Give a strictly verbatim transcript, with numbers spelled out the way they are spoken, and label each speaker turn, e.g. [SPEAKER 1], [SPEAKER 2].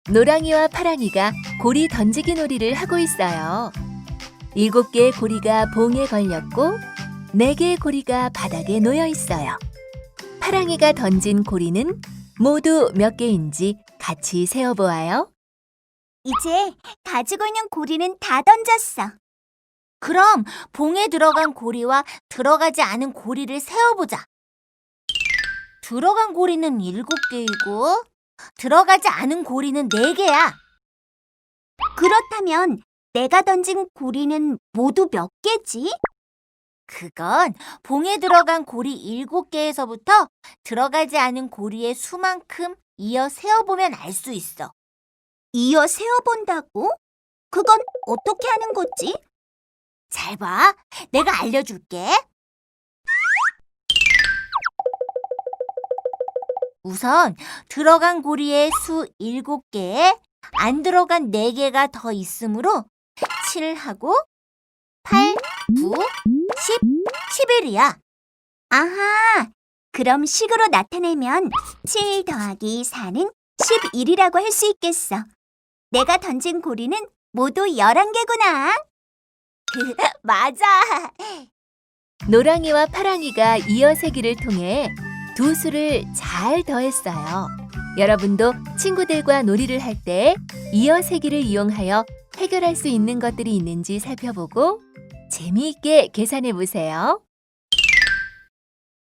[SPEAKER 1] 노랑이와 파랑이가 고리 던지기 놀이를 하고 있어요. 일곱 개의 고리가 봉에 걸렸고 네 개의 고리가 바닥에 놓여 있어요. 파랑이가 던진 고리는 모두 몇 개인지 같이 세어보아요.
[SPEAKER 2] 이제 가지고 있는 고리는 다 던졌어. 그럼 봉에 들어간 고리와 들어가지 않은 고리를 세어보자. 들어간 고리는 일곱 개이고 들어가지 않은 고리는 네 개야. 그렇다면 내가 던진 고리는 모두 몇 개지? 그건 봉에 들어간 고리 일곱 개에서부터 들어가지 않은 고리의 수만큼 이어 세어보면 알 수 있어. 이어 세어본다고? 그건 어떻게 하는 거지? 잘 봐. 내가 알려줄게. 우선 들어간 고리의 수 일곱 개에 안 들어간 네 개가 더 있으므로 칠하고 팔, 구, 십, 십일이야. 아하, 그럼 식으로 나타내면 칠 더하기 사는 십일이라고 할 수 있겠어. 내가 던진 고리는 모두 열한 개구나. 맞아.
[SPEAKER 1] 노랑이와 파랑이가 이어세기를 통해 두 수를 잘 더했어요. 여러분도 친구들과 놀이를 할 때 이어세기를 이용하여 해결할 수 있는 것들이 있는지 살펴보고 재미있게 계산해 보세요.